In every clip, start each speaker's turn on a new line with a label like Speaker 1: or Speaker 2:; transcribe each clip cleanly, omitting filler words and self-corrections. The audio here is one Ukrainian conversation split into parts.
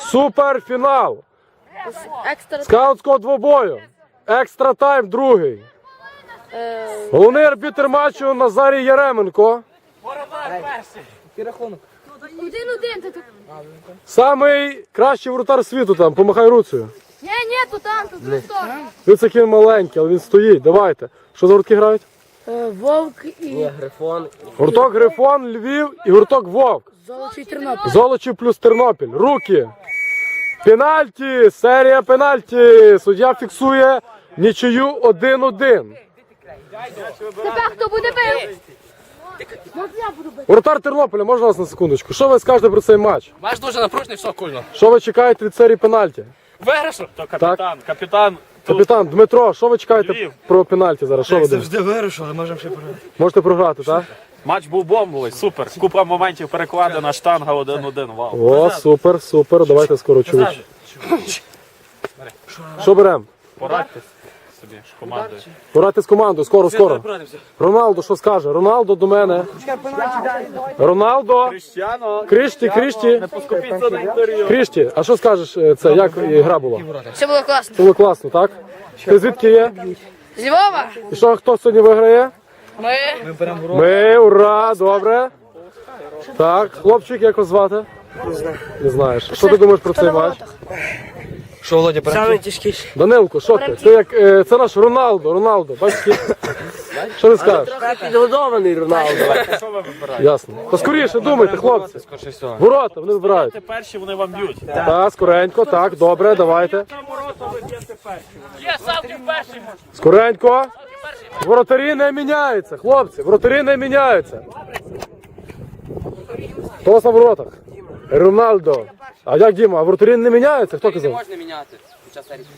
Speaker 1: Суперфінал. Скаутського двобою. Екстра тайм другий. Головний арбітр матчу Назарій Яременко. Самий кращий воротар світу там, помахай руцею.
Speaker 2: Ні, тут там, тут сторону.
Speaker 1: Він такий маленький, але він стоїть, давайте. Що за гуртки грають?
Speaker 2: Вовк і...
Speaker 3: Ні, Грифон.
Speaker 1: Гурток Грифон, Львів і гурток Вовк.
Speaker 2: Золочий Тернопіль.
Speaker 1: Золочів плюс Тернопіль. Руки. Пенальті, серія пенальті. Суддя фіксує нічию 1-1.
Speaker 2: Тепер хто буде бив?
Speaker 1: Воротар Тернополя, можна вас на секундочку? Що ви скажете про цей матч?
Speaker 3: Матч дуже напружений, все кульно.
Speaker 1: Що ви чекаєте від серії пенальті?
Speaker 3: Виграшу.
Speaker 4: То капітан.
Speaker 1: Капітан Дмитро, що ви чекаєте
Speaker 4: Львів.
Speaker 1: про пенальті зараз? Що ви думаєте?
Speaker 5: Завжди вирушу, але можемо ще програти.
Speaker 1: Можете програти, так?
Speaker 4: Матч був бомбовий, супер. Купа моментів перекладена, штанга 1-1. Вау.
Speaker 1: О, супер, супер. Давайте скоро чуч. Що беремо?
Speaker 4: Порадьтесь собі з командою.
Speaker 1: Порадьте з командою, скоро. Роналдо, що скаже? Роналдо до мене. Роналдо. Кришті.
Speaker 4: Поскупіться на інтерв'ю.
Speaker 1: Кришті, а що скажеш, це, як гра була?
Speaker 2: Все було класно.
Speaker 1: Це було класно, так? Ти звідки є?
Speaker 2: З Львова?
Speaker 1: І що, хто сьогодні виграє?
Speaker 2: Ми.
Speaker 1: Ми, ура, добре. Так, хлопчик, як вас звати? Не знаєш. Що ти думаєш про цей матч?
Speaker 5: Що, Володя,
Speaker 3: Саме тяжкіше.
Speaker 1: Данилко, що ти? Ти як, це наш Роналдо, бачиш? Що ти скажеш?
Speaker 3: Підгодований Роналдо.
Speaker 1: Ясно. То скоріше думайте, хлопці. Ворота, вони вибирають.
Speaker 4: Ти перші, вони вам б'ють.
Speaker 1: Так, скоренько, так, добре, давайте. Скоренько. Воротарі не міняються, хлопці, воротарі не міняються. Хто у вас на воротах? Роналдо. А як Діма, а воротарі не міняються? Хто казав?
Speaker 3: Можна міняти під час серії.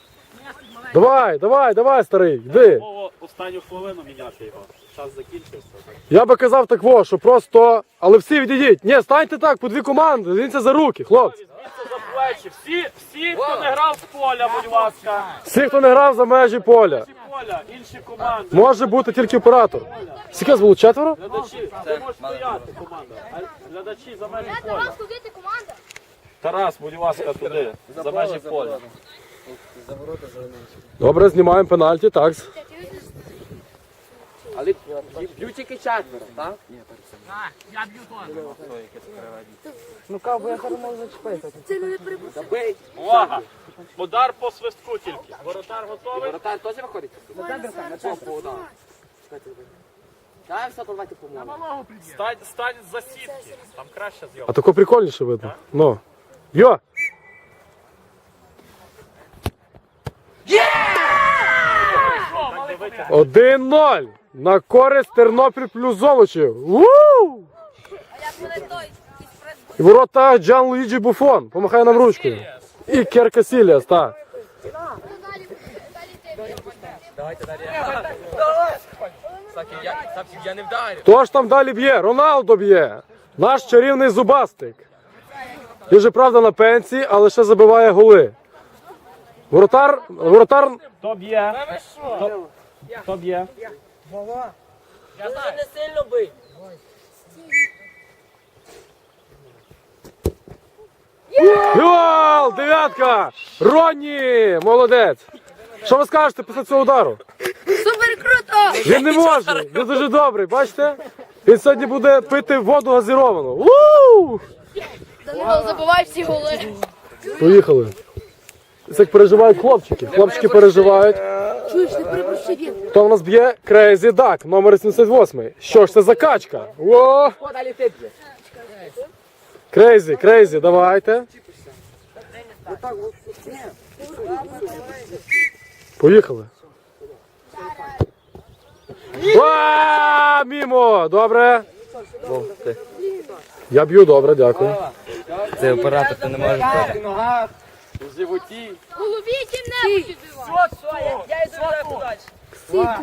Speaker 1: Давай, старий, йди.
Speaker 4: Останню хвилину міняти його. Час закінчився.
Speaker 1: Я би казав так, що просто, але всі відійдіть. Ні, станьте так, по дві команди, дивіться за руки, хлопці.
Speaker 4: Звідси за плечі. Всі, хто не грав з поля, будь ласка.
Speaker 1: Всі, хто не грав за межі поля.
Speaker 4: Поля, інші команди.
Speaker 1: Може бути тільки оператор. Скільки вас було, 4?
Speaker 4: Глядачі, ти можеш стояти, команда. А глядачі за межі поля.
Speaker 2: Тарас, ходити команда.
Speaker 4: Тарас, будь ласка, туди. За межі поля.
Speaker 1: Добре, знімаємо пенальті, так.
Speaker 3: Але б'ють тільки четверо, так?
Speaker 2: Це не припустимо.
Speaker 3: Забий.
Speaker 4: Увага! Удар по свистку тільки. Воротар готовий?
Speaker 3: Воротар теж виходить? Так, все, то давайте помогу.
Speaker 4: Стань за сітки. Там краще зйомка.
Speaker 1: А тако прикольніше видно. Ну. Йо!
Speaker 4: Дивіться.
Speaker 1: 1-0 на користь Тернопіль плюс Золочів. І ворота Джан Луїджі Буфон. Помахай нам ручкою. І Керка Сіліас, так.
Speaker 3: Я не вдарю.
Speaker 1: Хто ж там далі б'є? Роналдо б'є. Наш чарівний зубастик. Він же, правда, на пенсії, але ще забиває голи. Воротар...
Speaker 4: Хто б'є? Хто б'є?
Speaker 3: Дуже не сильно бий.
Speaker 1: Гол! Дев'ятка! Ронні! Молодець! Що ви скажете після цього удару?
Speaker 2: Супер круто!
Speaker 1: Він не може! Він дуже добрий, бачите? Він сьогодні буде пити воду газіровану.
Speaker 2: Данило, забивай всі голи.
Speaker 1: Поїхали. Це як переживають хлопчики. Хлопчики переживають.
Speaker 2: Чуєш, не припусти він.
Speaker 1: Хто в нас б'є? Crazy Duck, номер 78. Що ж це за качка? О!
Speaker 3: О, далі ти б'є.
Speaker 1: Crazy, давайте. Поїхали. Мімо! Добре. Я б'ю добре, дякую.
Speaker 5: Це оператор, ти не можеш бити.
Speaker 3: У животі.
Speaker 2: В голові ким-небудь відбивай.
Speaker 3: Я йду подальше.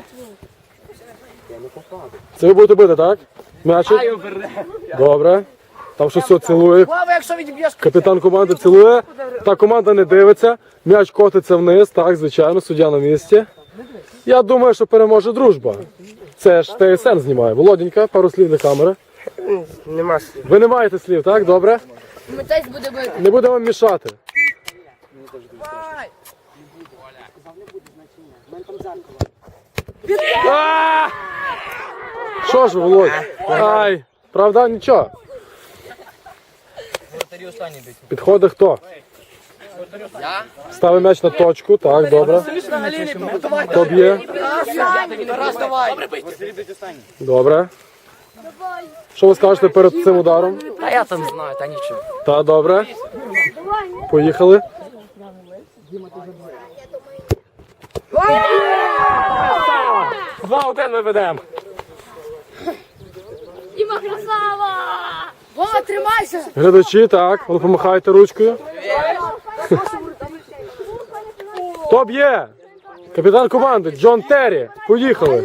Speaker 1: Це ви будете бити, так? М'ячик? Добре. Там щось все цілує.
Speaker 3: Слава, якщо відб'єш.
Speaker 1: Капітан команди цілує. Та команда не дивиться. М'яч котиться вниз. Так, звичайно, суддя на місці. Я думаю, що переможе дружба. Це ж ТСН знімає. Володенька, пару слів до камери.
Speaker 3: Нема слів.
Speaker 1: Ви не маєте слів, так? Добре?
Speaker 2: Митець буде бити.
Speaker 1: Не будемо мішати. А! Що ж, Володь? Ай, правда, нічого.
Speaker 5: Воротарі останні бить.
Speaker 1: Підходить хто? Ставить м'яч на точку, так, добре. Хто б'є?
Speaker 3: Тарас, давай.
Speaker 1: Добре. Що ви скажете перед цим ударом?
Speaker 3: Та я там знаю, та нічого.
Speaker 1: Та, добре. Поїхали.
Speaker 3: Два-один ми ведемо.
Speaker 2: Діма, красава! Вова, тримайся!
Speaker 1: Глядачі, так, ви помахайте ручкою. Хто б'є? Капітан команди Джон Террі. Поїхали.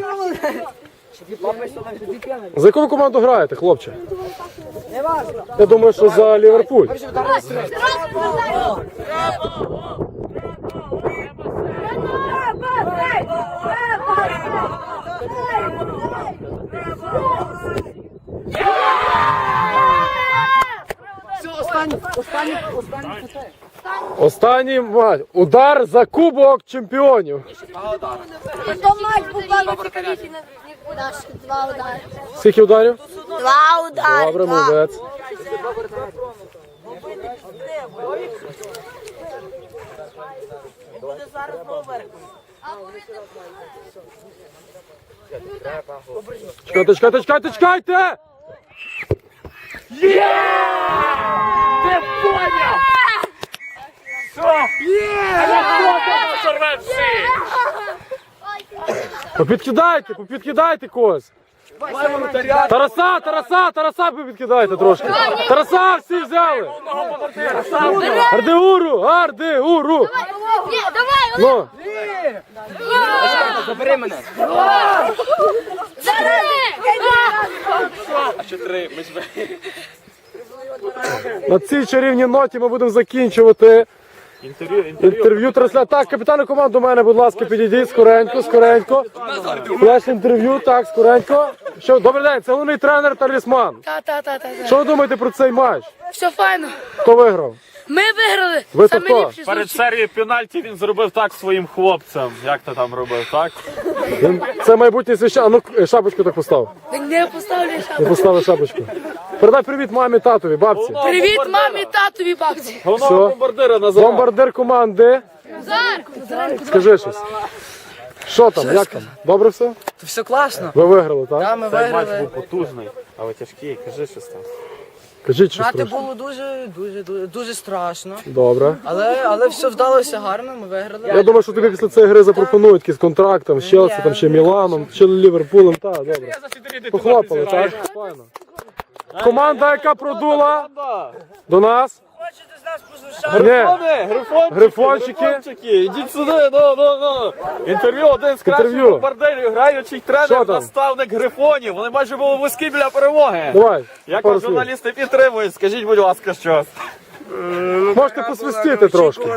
Speaker 1: За яку ви команду граєте, хлопче? Я думаю, що за Ліверпуль. Останній матч. Удар за Кубок Чемпіонів.
Speaker 2: То матч був главний цікавіший, ніж наш. Два удари.
Speaker 1: Скільки ударів?
Speaker 2: Два удари.
Speaker 1: Добре, молодець. Чекайте, чекайте, чекайте, чекайте!
Speaker 4: Ти поняв! Сорве всі!
Speaker 1: Попідкидайте когось. Тараса попідкидайте трошки. Тараса всі взяли. Ардеуру.
Speaker 2: Ні, давай,
Speaker 1: Ну,
Speaker 3: Забери мене.
Speaker 1: на цій чарівній ноті ми будемо закінчувати інтерв'ю трансляцію. Так, капітан команди до мене, будь ласка, підійдіть скоренько. Флеш інтерв'ю, так, скоренько. Що, добрий день, це головний тренер Талісман.
Speaker 2: Та.
Speaker 1: Що ви думаєте про цей матч?
Speaker 2: Все файно.
Speaker 1: Хто виграв?
Speaker 2: Ми виграли.
Speaker 1: Ви то
Speaker 2: Самі
Speaker 1: хто?
Speaker 2: ліпші
Speaker 4: Перед
Speaker 2: случаї.
Speaker 4: серією пенальті він зробив так своїм хлопцям. Як ти там робив, так?
Speaker 1: Це майбутній священник. А ну, шапочку так постав.
Speaker 2: Не поставлю шапку.
Speaker 1: Не поставив шапочку. Передай привіт мамі, татові, бабці.
Speaker 2: Привіт мамі, татові, бабці.
Speaker 4: Головного
Speaker 1: Все.
Speaker 4: бомбардира Назар.
Speaker 1: Бомбардир команди. Скажи щось. Що там, як там? Добре все?
Speaker 3: То все класно.
Speaker 1: Ви виграли, так?
Speaker 3: Та ми
Speaker 4: Цей матч
Speaker 3: виграли.
Speaker 4: був потужний, але тяжкий. Кажи щось там.
Speaker 1: Кажіть щось
Speaker 3: Грати
Speaker 1: трошки.
Speaker 3: було дуже страшно.
Speaker 1: Добре.
Speaker 3: Але все вдалося гарно, ми виграли.
Speaker 1: Я думаю, що тобі після цієї гри запропонують якийсь контракт там, з Челсі, там ще Міланом, чи Ліверпулем. Так, добре. Похлопали, так? Файно. Команда, яка продула до нас. Ні, Грифончики.
Speaker 4: Ідіть сюди, ну. Інтерв'ю один з кращих
Speaker 1: Інтерв'ю.
Speaker 4: бомбардирів, граючий
Speaker 1: Що
Speaker 4: тренер,
Speaker 1: там?
Speaker 4: наставник Грифонів. Вони майже були близькі біля перемоги.
Speaker 1: Давай,
Speaker 4: Як
Speaker 1: пару
Speaker 4: вас
Speaker 1: слів.
Speaker 4: журналісти підтримують, скажіть, будь ласка, щось.
Speaker 1: Можете посвистіти трошки.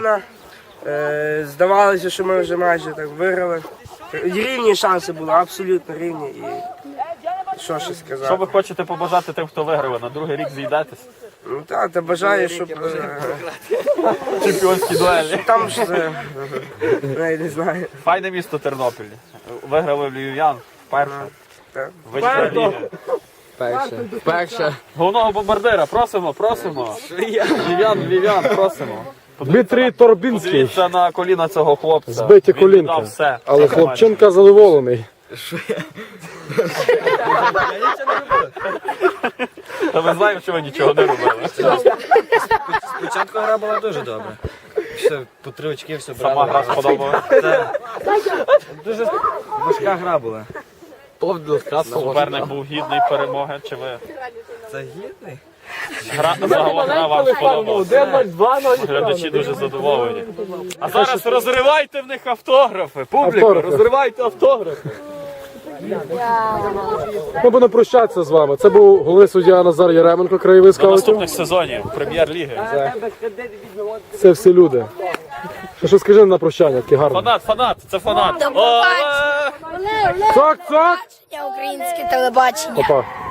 Speaker 6: Здавалося, що ми вже майже так виграли. Рівні шанси були, абсолютно рівні. І що ще
Speaker 4: Що
Speaker 6: сказати?
Speaker 4: ви хочете побажати тим, хто виграв? На другий рік зійдетесь?
Speaker 6: Ну так, та бажаю, щоб
Speaker 4: Чемпіонські дуелі.
Speaker 6: там ж навіть не знаю.
Speaker 4: Файне місто Тернопіль. Виграли львів'ян вперше.
Speaker 6: Так.
Speaker 4: Вища ліга.
Speaker 5: Вперше.
Speaker 4: Головного бомбардира, просимо. Львів'ян, просимо.
Speaker 1: Дмитрій Торбінський.
Speaker 4: Подивіться на коліна цього хлопця.
Speaker 1: Збиті
Speaker 4: Він
Speaker 1: колінка.
Speaker 4: віддав все.
Speaker 1: Але хлопчинка задоволений.
Speaker 4: Та ми знаємо, що ви нічого не робили.
Speaker 5: Спочатку гра була дуже добра. Все, по 3 очки все брали.
Speaker 4: Сама гра сподобалась.
Speaker 5: Дуже важка гра була.
Speaker 4: Суперник був гідний перемоги, чи ви?
Speaker 5: Це гідний?
Speaker 4: Загалом гра вам сподобалася. Глядачі дуже задоволені. А зараз розривайте в них автографи. Публіку,
Speaker 1: Автографи.
Speaker 4: розривайте автографи.
Speaker 1: Ми будемо прощатися з вами. Це був головний суддя Назар Яременко, краєвий
Speaker 4: До
Speaker 1: скаутів.
Speaker 4: наступних сезонів Прем'єр-ліги.
Speaker 1: Це всі люди. Що скажи на прощання, таке гарне.
Speaker 4: Фанат, це фанат.
Speaker 2: До побачення.
Speaker 4: Оле!
Speaker 1: Цок!
Speaker 2: Я українське телебачення.
Speaker 1: Опа.